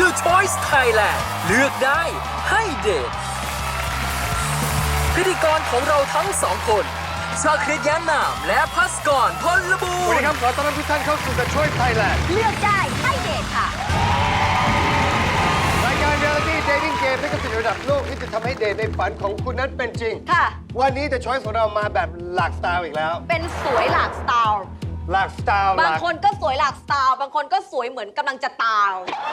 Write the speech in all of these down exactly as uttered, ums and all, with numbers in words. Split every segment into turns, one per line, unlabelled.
The Choice Thailand เลือกได้ให้เดทพิธีกรของเราทั้งสองคนชาคริตแย้มนามและพัสกรพลบู
สวัส
ร
ดี
ณ์
ครับขอต้อนรับทุกท่านเข้าสู่ The Choice Thailand
เลือกได้ให้เดทค่ะ
รายการ Reality Dating Game ที่กำลังระดับโลกที่จะทำให้เดทในฝันของคุณนั้นเป็นจริง
ค่ะ
วันนี้ The Choice ของเรามาแบบหลากสไตล์อีกแล้ว
เป็นสวยหลากสไตล์
หลากสไตล์ห
บาง
ลาก
คนก็สวยหลากสไตล์ บางคนก็สวยเหมือนกำลังจะตาย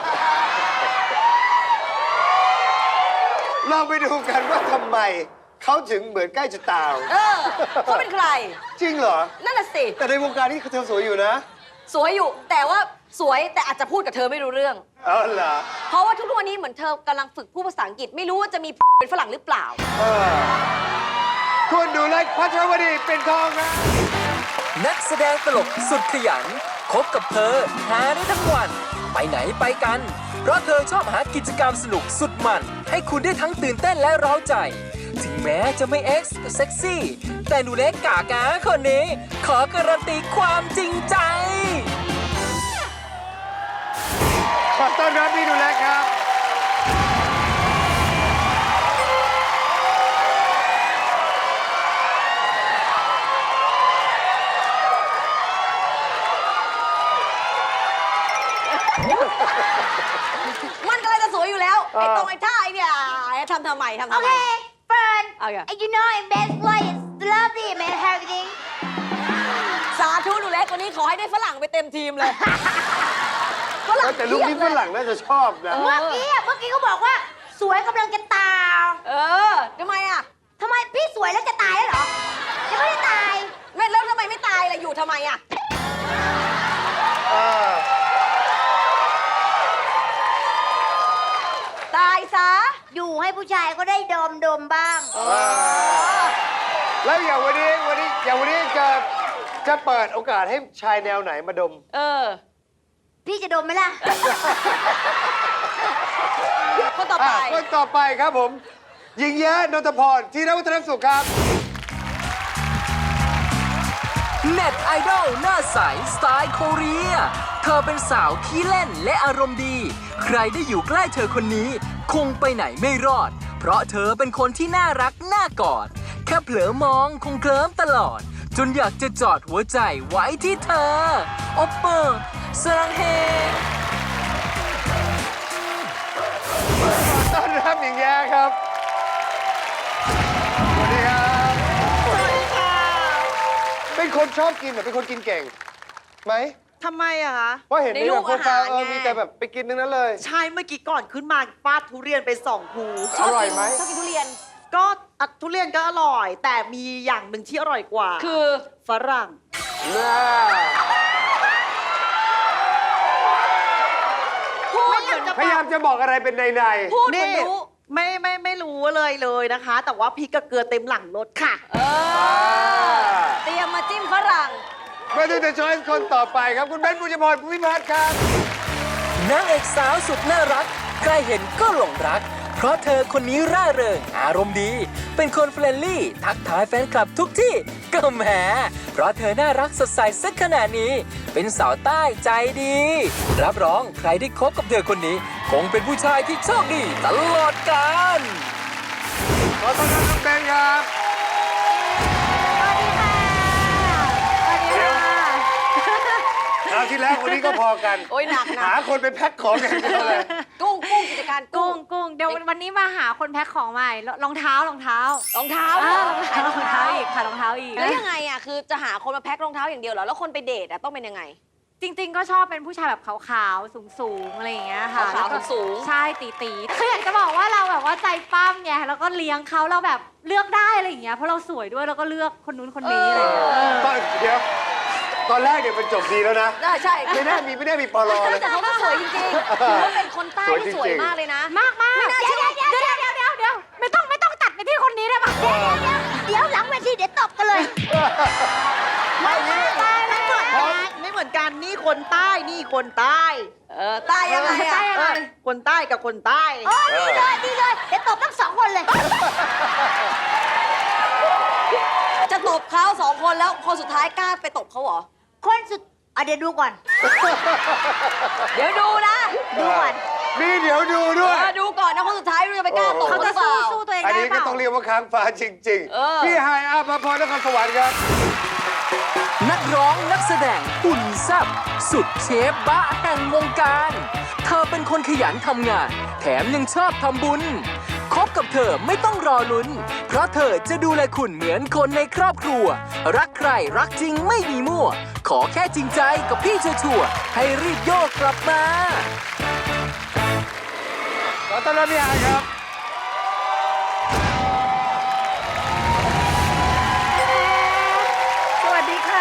เราไปดูกันว่าทำไมเขาถึงเหมือนใกล้จะตาย
เออเขาเป็นใคร
จริงเหรอ
นั่นน่ะสิ
แต่ในวงการนี้เธอสวยอยู่นะ
สวยอยู่ แต่ว่าสวยแต่อาจจะพูดกับเธอไม่รู้เรื่อง
เอาเหรอ
เพราะว่าทุกๆวันนี้เหมือนเธอกำลังฝึกพูดภาษาอังกฤษ ไม่รู้ว่าจะมีเป็นฝรั่งหรือเปล่า
เออคุณดูแลพัชรวดีเป็นทองครับ
นักแสดงตลกสุดขยันคบกับเธอหาได้ทั้งวัน ไปไหนไปกัน เพราะเธอชอบหากิจกรรมสนุกสุดมัน ให้คุณได้ทั้งตื่นเต้นและเร้าใจ ถึงแม้จะไม่เอ็กซ์เซ็กซี่ แต่หนูเล็กกากาคนนี้ ขอการันตีความจริงใจ
ขอต้อนรับพี่ดูแลครับ
มันกำลังจะสวยอยู่แล้ว
เออ
ไอ้ตรงไอ้ท่าไอ้เนี่ยทำทำไมทำทำไม
Okay, Fern.
Okay.
You know, in best place, lovely man, everything.
สาธุหนูเล็กวันนี้ขอให้ได้ฝรั่งไปเต็มทีมเลยฝรั่ง
แต่ลูกนี้ฝรั่งน่าจะชอบนะ
เมื่อกี้อะเมื่อกี้เขาบอกว่าสวยกำลังจะตาย
เออทำไมอ่ะ
ทำไมพี่สวยแล้วจะตายแล้วเหรอยังไม่ได้ตาย
ไม่แล้วทำไมไม่ตายล่ะอยู่ทำไมอ่ะ
เออ
ตายซะ
อยู่ให้ผู้ชายก็ได้ดมดมบ้าง
แล้วอย่างวันนี้วันนี้อย่างวันนี้จะจะเปิดโอกาสให้ชายแนวไหนมาดม
เออ
พี่จะดมไหมล่ะ
คนต่อไป
อ่ะคนต่อไปครับผม หญิงแย้นนทพรธีรวัฒนสุขครับ
เน็ตไอดอลหน้าใสสไตล์โคเรีย เธอเป็นสาวขี้เล่นและอารมณ์ดี ใครได้อยู่ใกล้เธอคนนี้ คงไปไหนไม่รอด เพราะเธอเป็นคนที่น่ารักน่ากอด แค่เผลอมองคงเคลิ้มตลอด จนอยากจะจอดหัวใจไว้ที่เธอโอปเปอร์สรังเฮ
ต้อนรับหญิงแย้ครับ สวัสดีครับ
สวัสดีค่ะ
เป็นคนชอบกินเหรอเป็นคนกินเก่งไหม
ทำไมอะคะ
เพราะเห็นใน
ในรู
แบ
ป
บโปรไฟล์
อาหาร
เออ
ไง
มีแต่แบบไปกินทั้งนั้นเลย
ใช่เมื่อกี้ก่อนขึ้นมาฟาดทุเรียนไปสองภู
อร่อยไหม
ชอบกินทุเรียน
ก็อ่ะทุเรียนก็อร่อย แต่มีอย่างหนึ่งที่อร่อยกว่า
คือ
ฝรั่ง
น่า
พูดเหมือนจะ
พยายามจะบอกอะไรเป็นในใน
พูดเหมือน
นี่
รู้
ไม่ไม่ไม่รู้เลยเลยนะคะ แต่ว่าพริกกับเกลือเต็มหลังรถค่ะ
เออ เตรียมมาจิ้มฝรั่ง
มาดูแต่ช้อยส์คนต่อไปครับ คุณเบนซ์บุญพรภูมิพัฒน์ครับ
นางเอกสาวสุดน่ารัก ใครเห็นก็หลงรัก เพราะเธอคนนี้ร่าเริง อารมณ์ดี เป็นคนเฟรนลี่ ทักทายแฟนคลับทุกที่ ก็แหม เพราะเธอน่ารักสดใสสักขนาดนี้ เป็นสาวใต้ใจดี รับรองใครได้คบกับเธอคนนี้ คงเป็นผู้ชายที่โชคดีตลอดกาล
ขอต้อนรับน้องเบนซ์ครับ
สวัสดีค่ะ สวัสดีค่ะ
คราวที่แล้วคนนี้ก็พอกัน
โอ้ยหนักหนั
หาก คนไปแพ็คของอย่างเดียวเลย
กุ้งกุ้งกิจการกุ้
กุ้
ง
งกุ้งเดี๋ยววันนี้มาหาคนแพ็คของใหม่รรองเท้ารองเท้าร
องเท้า
อ่าร
ร
องเท้ารองเท้าอีกค่ะรองเท้าอีก
แล้วยังไงอ่ะคือจะหาคนมาแพ็ครองเท้าอย่างเดียวเหรอแล้วคนไปเดทอ่ะต้องเป็นยังไง
จริง ๆ ก็ชอบเป็นผู้ชายแบบขาวๆสูงๆอะไรอย่างเงี้ยค่ะ
ขาวๆ
แล้วก็
สูง
ใช่ตีๆคืออยากจะบอกว่าเราแบบว่าใจปั้มไงแล้วก็เลี้ยงเขาเราแบบเลือกได้อะไรอย่างเงี้ยเพราะเราสวยด้วยแล้วก็เลือกคนนู้นคนนี้อะไรอย่างเงี้ยเออ
ตอนเดี๋ยว ตอนแรกเนี่ยมันจบดีแล้วนะ
ได้ใช่
ไม่น่ามีไม่ได้มีปลอเลย
แต่เขาก็สวยจริงๆถือว่าเป็นคนใต้ที่สวยมากเลยนะ
มากมาก
ไม่น่า
เดี๋
เชื่
ยว
อ
เดี๋ยวเดี๋ยวเดี๋ยวเดี๋ยวไม่ต้องไม่ต้องตัดไปที่คนนี้ได้ปะ
เดี๋ยวเดี๋ยวเดี๋ยวหลังเวทีเดี๋ยวตบกันเลย
ไม่ไม่ไม่ไม่เหมือนกันไม่เหมือนกันนี่คนใต้นี่คนใต้
เออใต้ยังไงอ่ะ
เออคนใต้กับคนใต้
โอ้ดีเลยดีเลย เดี๋ยวตบทั้งสองคนเลย
จะตบเขาสองคนแล้วคนสุดท้ายกล้าไปตบเขาเหรอ
คนสุดอ่ะเดี๋ยวดูก่อน
เดี๋ยวดูนะ
ดูก่อน
มีเดี๋ยวดูด้วย
เออดูก่อนนะคนสุดท้ายเราจะไปกล้าตก
เขา
หรื
จะ
อเป
สู้
ล่า
สู้ตัวเอง
อัน
ได้
นี้
เป
ก็
ล่า
ต้องเรียกว่าค้างฟ้าจริง
เออ
ๆ พี่ไฮอาภพรนครสวรรค์ครับ
นักร้องนักแสดงหุ่นแซ่บสุดเชฟบ้าแห่งวงการ เธอเป็นคนขยันทำงาน แถมยังชอบทำบุญคบกับเธอไม่ต้องรอลุ้น เพราะเธอจะดูแลคุณเหมือนคนในครอบครัว รักใครรักจริงไม่มีมั่ว ขอแค่จริงใจกับพี่ชัวร์ๆให้รีบโยกกลับมา
ขอต้อนรับพี่ไฮครับ
สวัสดีค่ะ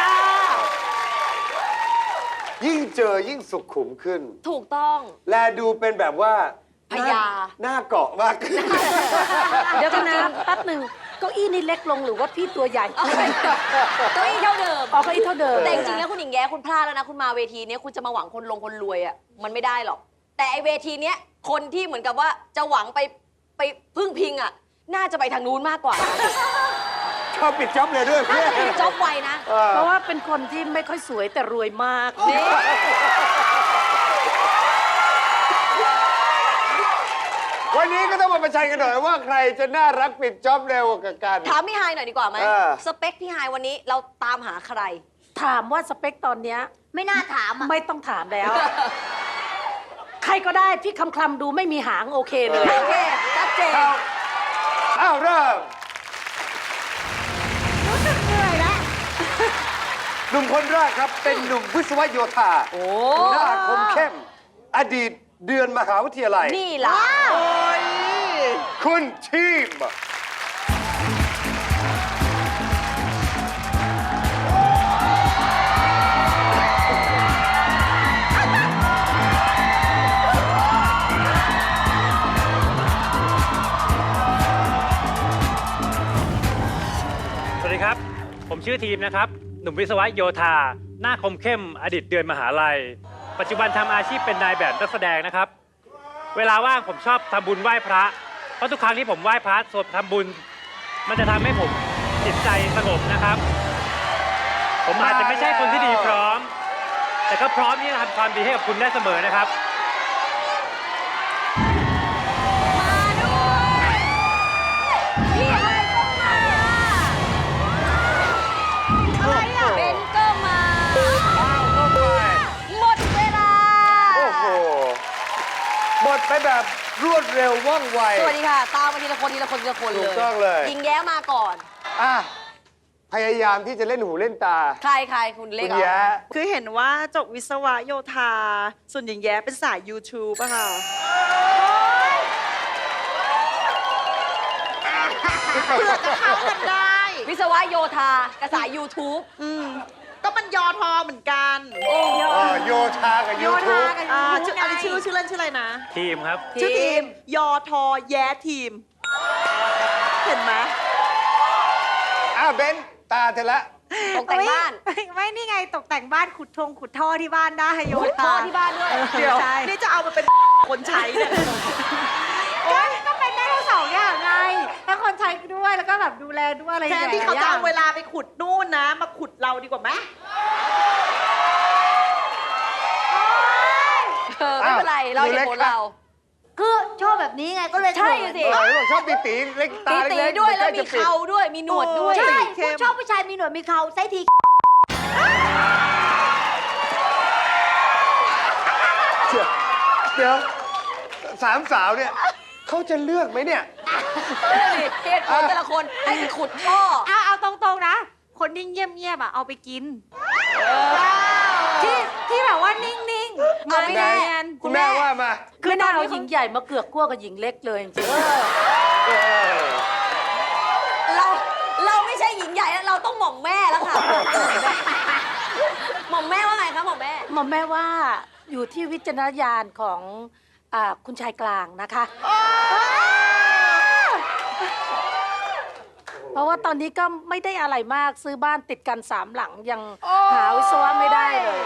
ยิ่งเจอยิ่งสุขุมขึ้น
ถูกต้อง
แลดูเป็นแบบว่า
พญา
หน้าเกาะมากขึ้น
เดี๋ยวกันนะแป๊บหนึ่งเก้าอี้นี่เล็กลงหรือว่าพี่ตัวใหญ่
เอาไปเก้าอี้เท่าเดิม
อ๋อเก้าอี้เท่าเดิม
แต่จริงๆแล้วคุณหญิงแย้คุณพลาดแล้วนะ คุณมาเวทีเนี้ยคุณจะมาหวังคนลงคนรวยอ่ะมันไม่ได้หรอก แต่ไอเวทีเนี้ยคนที่เหมือนกับว่าจะหวังไปไปพึ่งพิงอ่ะ น่าจะไปทางนู้นมากกว่า
ชอบปิดจ็อบเลยด้วย
น่า
เพื่อน
จะเป็นจ็อบไวนะ
เออ
เพราะว่าเป็นคนที่ไม่ค่อยสวยแต่รวยมาก
นี่
วันนี้ก็ต้องมาประชันกันหน่อยว่าใครจะน่ารักปิดจ็อบเร็วกว่ากัน
ถามพี่ไฮหน่อยดีกว่าไหม
เออ
สเปคพี่ไฮวันนี้เราตามหาใคร
ถามว่าสเปคตอนเนี้ย
ไม่น่าถามอ่ะ
ไม่ต้องถามแล้ว ใครก็ได้พี่คำคลำดูไม่มีหางโอเคเลย
โอเคชัดเจน
เอาอ้าวเริ่ม
รู้สึกเหนื่อยแล้ว
หนุ่มคนแรกครับ เป็นหนุ่มวิศวโยธา
โอ้
หน้าคมเข้ม อดีตเดือนมหาวิทยาลัย
นี่ล่ะ
คุณทีม
สวัสดีครับ ผมชื่อทีมนะครับ หนุ่มวิศวะโยธา หน้าคมเข้ม อดีตเดือนมหาลัย ปัจจุบันทำอาชีพเป็นนายแบบนักแสดงนะครับ เวลาว่างผมชอบทำบุญไหว้พระ เพราะทุกครั้งที่ผมไหว้พระสวดทำบุญ มันจะทำให้ผมจิตใจสงบนะครับ ผมอาจจะไม่ใช่คนที่ดีพร้อม แต่ก็พร้อมที่จะทำความดีให้กับคุณได้เสมอนะครับ
มาด้วยพี่ไฮก็มา
อะไรอ่ะ
เบนก็มา
อ้าวเข้าไป
หมดเวลา
โอ้โห หมดไปแบบรวดเร็วว่องไว
สวัสดีค่ะ ตามมาทีละคนทีละคนทีละคนเลย
ถูกต้องเลย
ยิงแย้มาก่อน
อ่ะ พยายามที่จะเล่นหูเล่นตา
ใครใครคุณเล็
คุ
ก
ณ
เหรอ
แย้
คือเห็นว่าจบวิศวะโยธา ส่วนหญิงแย้เป็นสาย YouTube อะค่ะ
เพื่อจะเข้ากันได้
วิศวะโยธากระสาย YouTube
อืม ก็มันยอทอเหมือนกัน
โอ้
เออโยธากับยูทูบ
อ่าชื่ออะไรชื่อชื่อเล่นชื่ออะไรนะ
ทีมครับ
ชื่อทีม ยอทอแย้ทีม เห็นไหม
อ้าวเบนตาเธอละ
ตกแต่งบ้าน
ไม่ไม่นี่ไงตกแต่งบ้านขุดทงขุดท่อที่บ้านได้โย
ขุด
ธา
ท่อที่บ้านด้วย
เดี๋ยว
ใช่
นี่จะเอามาเป็นคนใช้เนี่ย
ก็ก็เป็นได้ทั้งสองอย่างไงทั้งคนใช้ด้วยแล้วก็แบบดูแลด้วยอะไรอ
แท
ย่าง
น
เงี้ย
ที่เขาจะเอาเวลาไปขุดนู่นนะ มาขุดเราดีกว่าไหม
เออ ไม่เป็นไร เราเหตุผลเรา
คือชอบแบบนี้ไงก็เลย
ใช่สิ
เออบอกชอบตีตีเล็กตา
ตี
เล็ก
ตีด้วยแล้วมี
ใกจะปิ
เขาด้วย มีหนวดด้วย
ใช่
เข้ม
ชอบผู้ชายมีหนวดมีเขาไซที
เดี๋ยวสามสาวเนี่ยเขาจะเลือกไหมเนี่ย
เหตุผลแต่ละคนให้ไปขุดท่อ
เอาเอาตรงๆนะ คนนิ่งเงียบๆอ่ะเอาไปกินที่ที่แบบว่านิ่งๆมาไม่
ไหน
เนียน
คุณแม่ว่ามา
คือน่าเอาหญิงใหญ่มาเกือกกลัวกับหญิงเล็กเลยจริง
เออ
เราเราไม่ใช่หญิงใหญ่แล้วเราต้องหม่อมแม่แล้วค่ะ หม่อมแม่ว่าไงคะหม่อมแม่
ๆหมอมแม่ว่าอยู่ที่วิจารณญาณของอ่าคุณชายกลางนะคะ เพราะว่าตอนนี้ก็ไม่ได้อะไรมากซื้อบ้านติดกันสามหลังยังหาวิศวะไม่ได้เลย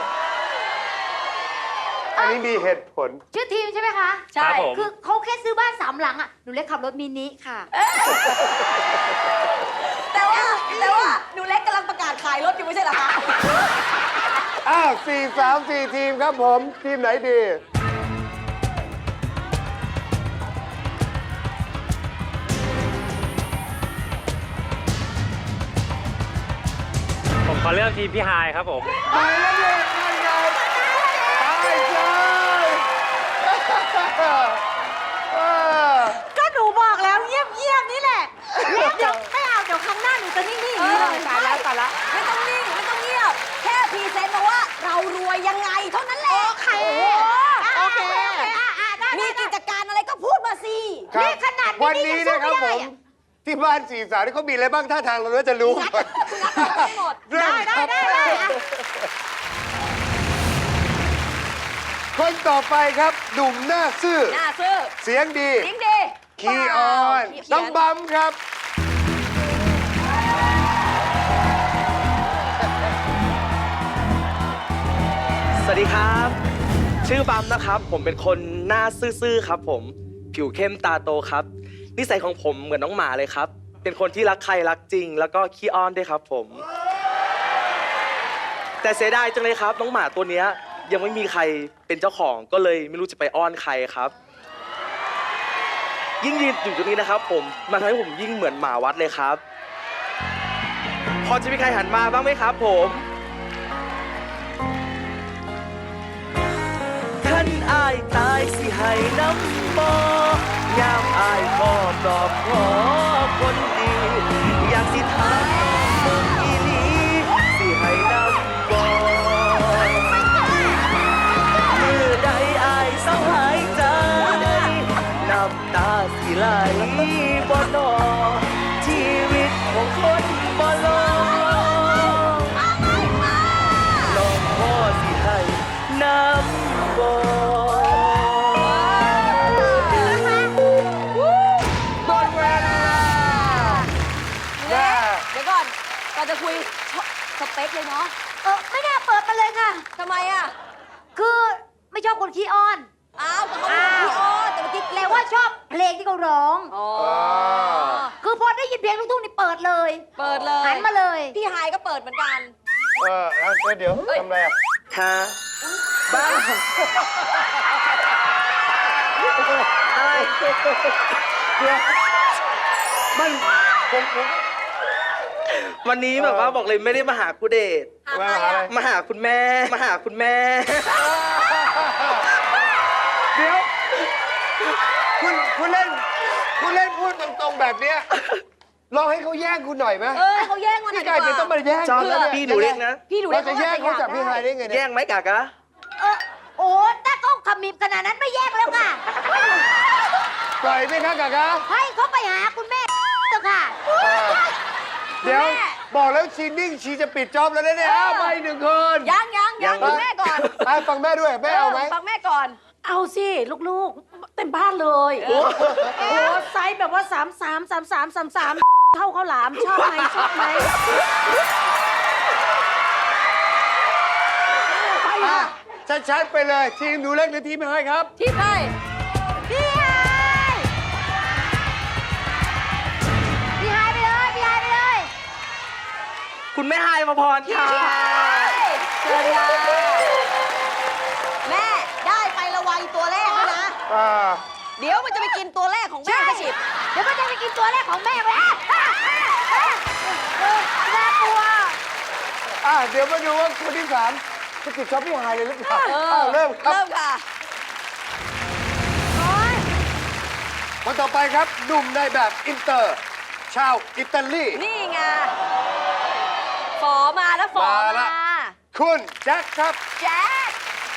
อันนี้มีเหตุผล
ชื่อทีมใช่ไหมคะ
ใช่
ครับผม
คือเขาแค่ซื้อบ้านสามหลังอ่ะหนูเล็กขับรถมินิค่ะ
แต่ว่าแต่ว่าหนูเล็กกำลังประกาศขายรถอยู่ไม่ใช่เหรอคะ
อ้าวสี่สามสี่ทีมครับผม ทีมไหนดี
อเลือกทีมพี่ไฮายครับผม
ไปแล้วเลยนั่นไงไปเลยเออ
ก็หนูบอกแล้วเงียบเงียบๆนี่แหละเงียบเดี๋ยวไม่เอาเดี๋ยวครั้งหน้าหนูจะนิ่งๆอย่างนี้เลยตายแล้วตายแล้ว
ไม่ต้องนิ่งไม่ต้องเงียบ แค่พรีเซนต์มาว่าเรารวยยังไงเท่านั้นแหละ
โอเค
โอ้
โอเค
มีกิจการอะไรก็พูดมาสิ
ครับ
นี่ขนาดนี้
วันนี้นะครับผม ที่บ้านสี่สาวนี่เขามีอะไรบ้างท่าทางเราก็จะรู้ก่อน
ได้หมด
เริ่ม
ได้
ครับ
ได้ได้ได้
คนต่อไปครับหนุ่มหน้าซื่อ
หน้าซื่อ
เสียงดี
จริงดี
คีออน
เขียน
ต้องบัมครับ
สวัสดีครับ ชื่อบัมนะครับ ผมเป็นคนหน้าซื่อๆครับผม ผิวเข้มตาโตครับ นิสัยของผมเหมือนน้องหมาเลยครับ เป็นคนที่รักใครรักจริง แล้วก็ขี้อ้อนด้วยครับผม แต่เสียดายจังเลยครับ น้องหมาตัวเนี้ยยังไม่มีใครเป็นเจ้าของก็เลยไม่รู้จะไปอ้อนใครครับ ยิ่งยืนอยู่ตรงนี้นะครับ ผมมันทำให้ผมยิ่งเหมือนหมาวัดเลยครับ พอจะมีใครหันมาบ้างไหมครับผมท่านอายตายสิให้น้ำบ่ยามอายก็ปลอบขอคนดี อยากสิถามเมืองอีหลีสิให้น้ำบ่มือใดอายเศร้าหายใจ น้ำตาสิไหลบ่นอชีวิตของคนบ่ลงลองพ่อสิให้น้ำบ่
หมดเวลา
เดี๋ยวก่อนก่อนจะคุยสเปคเลยเนาะ
เออไม่น่าเปิดมาเลยค่ะ
ทำไมอ่ะ
คือไม่ชอบคนขี้อ้อน
อ้าวแต่เขาเป็นพี่อ้อนแต่เมื่อกี้
แต่ว่าชอบเพลงที่เขาร้อง
อ๋อ
คือพอได้ยินเพลงลูกทุ่งนี่เปิดเลย
เปิดเลย
หันมาเลย
พี่ไฮายก็เปิดเหมือนกัน
เออแล้วเดี๋ยวทำอะไรอ่ะ
ฮะบ้าอะไร
เดี๋ยวมันผมผม
วันนี้แบบว่าบอกเลยไม่ได้มาหาคุณเดช
หาใครอ่ะ
มาหาคุณแม่ มาหาคุณแม่
เดี๋ยว คุณคุณเล่น คุณเล่นพูดตรงๆแบบเนี้ยลองให้เขาแย่งคุณหน่อยไหม
เออเขาแย่งมาหน่อ
พี่
ย
กายจะต้องมาแย่ง
ชอบ
คุณแล้ว
พี่
เนี่ย
หนูเล็กนะ
พี่ดู
เราจะแย่งเขาจากพี่ไฮได้ไงเนี่ย
แย่งไหมกากะ
เออโอ้ถ้าเขาขมิบขนาดนั้นไม่แยกแล้วค่ะ
ปล่อยไหมครับกากะ
ให้เขาไปหาคุณแม่เถอะค่ะ
เดี๋ยวบอกแล้วชีนิ่งชีจะปิดจ็อบแล้วนะเนี่ยอ้าวไปหนึ่งคน
ยังยังยังฟังแม่ก่อน
ไปฟังแม่ด้วยแม่เอาไหม
ฟังแม่ก่อน
เอาสิลูกๆ เต็มบ้านเลยโอ้โหไซส์แบบว่าสามสามสามสามสามสามเท่าข้าวหลามชอบไหมชอบไหมไป
อ่ะ
ค่ะ
ชัดๆไปเลยทีมหนูเล็กหรือทีมไม่ให้ครับ
ที่ไป
พี่ไฮพี่ไฮไปเลยพี่ไฮไปเลย
คุณแม่ไฮมาพรค่ะ
เชิญค่ะแม่ได้ไปละวัยตัวแรกแล้วนะ
อ่า
เดี๋ยวมันจะไปกินตัวแรกของแม่กระฉิบ
เดี๋ยวก็จะไปกินตัวแรกของแม่ไปอ่ะอ่ะอ่ะอ่ะน่ากลัว
อ่ะเดี๋ยวมาดูว่าคนที่สามจะปิดจ็อบพี่ไฮเลยหรือเปล่า
เอ
อ้า
อ
วเริ่มครับ
เริ่มค่ะ
คนต่อไปครับหนุ่มในแบบอินเตอร์ ชาวอิตาลี
นี่ไงฝอมาแล้วฝอ
มาละ
มา
คุณแจ็คครับ
แจ๊ค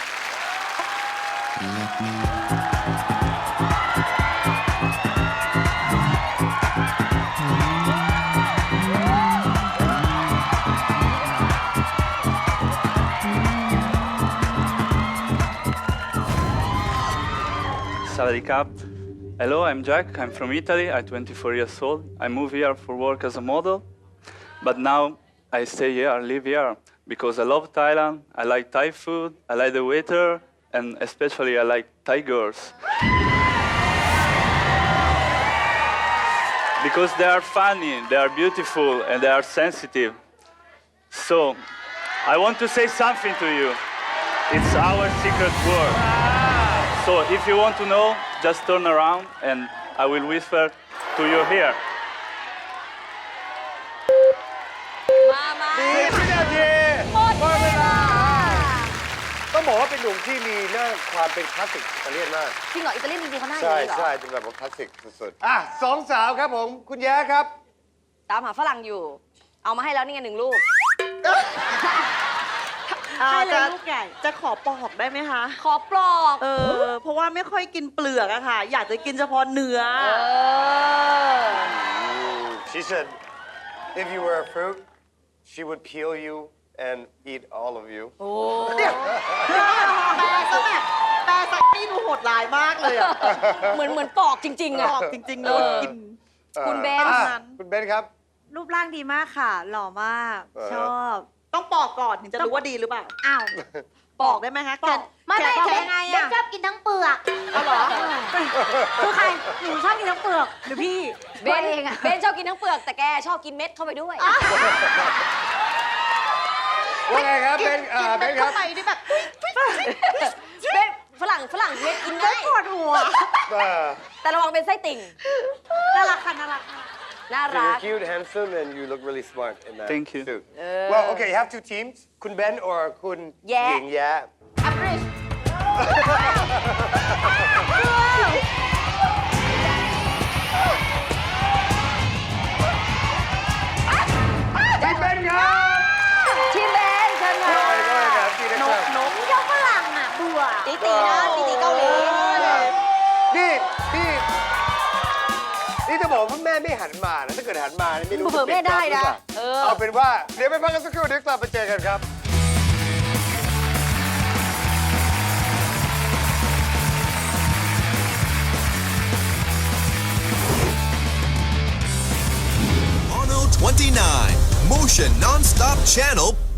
Sawadee Krap. Hello, I'm Jack. I'm from Italy. I'm twenty-four years old. I moved here for work as a model, but now I stay here, I live here because I love Thailand. I like Thai food. I like the weather, and especially I like Thai girls because they are funny, they are beautiful, and they are sensitive. So, I want to say something to you. It's our secret word. So if you want to know, just turn around and I will whisper to your ear.
มามา
สิบวินาทีต้องบอกว่าเป็นหนุ่มที่มีหน้าความเป็นคลาสสิกอิตาเลียนมาก
จริงเหรออิตาเลียนจริงๆเขาหน้าอย่าง
ใช่
นี้เหรอ
ใช่เป็นแบบว่าคลาสสิกสุดๆอ่ะสองสาวครับผม คุณแย้ครับ
ตามหาฝรั่งอยู่ เอามาให้แล้วนี่ไงหนึ่งลูก
อ่า
ให้เลย
จะ
ลูกใหญ่
จะขอปอกได้ไหมคะ
ขอปลอก
เออ เพราะว่าไม่ค่อยกินเปลือกอะค่ะ อยากจะกินเฉพาะเนื้อ
เออ
She said if you were a fruit she would peel you and eat all of you
โอ้
แปลซะแบบแปลซะนี่ดูโหดร้ายมากเลยอะ
เหมือนเหมือนปลอกจริง ๆ
บ
อ่ะ
อกจริงๆเลย
เออ
กิน
คุณเบน
อ่ะ
นั้น
คุณเบนครับ
รูปร่างดีมากค่ะ หล่อมาก
เออ
ชอบ
ต้องปอกก่อนถึงจะรู้ว่าดีหรือเปล่า
อ้าว
ปอกได้ไหมคะ
ปอก ไม่ไม่
แกะ
แกะยังไง
เบน
อะ
ชอบกินทั้งเปลือก
เอาเหรอ
คือใคร หนูชอบกินทั้งเปลือกหรือพี่
เบนเบนชอบกินทั้งเปลือกแต่แกชอบกินเม็ดเข้าไปด้วย
ว่าไงครับเบนอ่าเบนครับ
เข้าไปนี่แบบ
เบนฝรั่งฝรั่งเม็ดกินง่าย
ปวดหัว
เออ
แต่ระวังเป็นไส้ติ่ง
น่ารักค่ะน่ารักค่ะ
น่า
You're
รัก
cute, handsome, and you look really smart in that
Thank you.
suit. Well, okay, you have two teams. คุณเบน or คุณ
แย้
หญิงแย้
average
พี่เบนครับ
ทีมเบนเชิญค่ะ
ได้เลยครับพี่นะครับ
เจ้าฝรั่งอ่ะเบื่อ
ตีตีนะตีตีเกาหลี
นี่พี่นี่จะบอกว่าแม่ไม่หันมานะ ถ้าเกิดหันมานี่ไม่รู้
เผื่อแม่ได้นะ
เอ
เอ
อ
อ
เอาเป็นว่า เดี๋ยวไปพักกันสักครู่เดี๋ยวกลับมาเจอกันครับ
Mono twenty-nine Motion Non-Stop Channel